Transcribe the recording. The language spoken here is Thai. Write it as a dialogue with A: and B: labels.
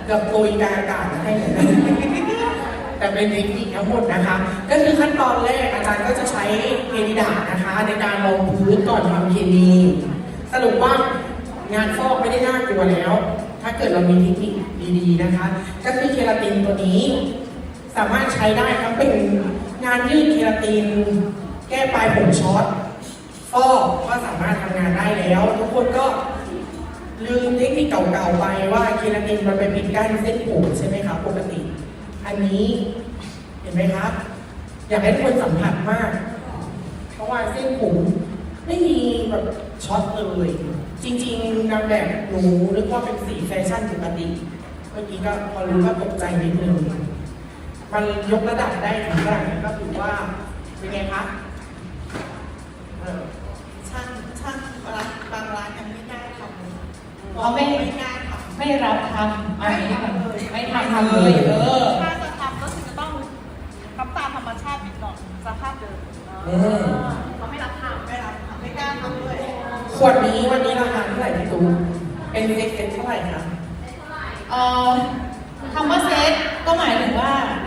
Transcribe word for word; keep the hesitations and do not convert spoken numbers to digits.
A: เกือบโปรยกลางอากาศให้เลยนะแต่เป็นเทคนิคทั้งหมดนะคะ ก็คือขั้นตอนแรกอาจารย์ก็จะใช้เพนิดานะคะ ในการรองพื้นก่อนทำเคมีสรุปว่างานฟอกไม่ได้น่ากลัวแล้ว ถ้าเกิดเรามีเทคนิคดีๆนะคะ ก็คือเคราตินตัวนี้ สามารถใช้ได้ทั้งเป็นงานยืดเคราติน แก้ปลายผมช็อตฟอกก็สามารถทำงานได้แล้ว ทุกคนก็ลืมเทคนิคเก่าๆไปว่าเคราตินมันเป็นปิดกั้นเส้นผมใช่ไหมคะปกติ อันนี้เห็นไหมครับอยากให้ทุกคนสัมผัสมาก เพราะว่าเส้นผมไม่มีแบบช็อตเลย จริงๆนางแบบหนูนึกว่าเป็นสีแฟชั่นปกติเมื่อกี้ก็พอรู้ก็ตกใจนิดนึงมันยกระดับได้ถึงขนาดนี้ก็ถือว่าเป็นไงคะช่างช่างร้านบางร้านยังไม่ได้ทำ
B: เขาไม่
A: ไม่ได้ทำ
B: ไม่รับทำอันนี้ไม่ทำ
A: ทำเลย
B: เออ
C: ถ้าจะทำก็คือจะต้องทำตามธรรมชาตินิดหน่อยสภาพเดิม
A: อืม
C: เขาไม่รับทำไม่รับทำไม่กล้าทำด้วย
A: ขวดนี้วันนี้ราคาเท่าไหร่พี่ตูนเป็นเซ็ตเซ็ตเท่าไหร่คะ
B: เอ่อคำว่าเซตก็หมายถึงว่า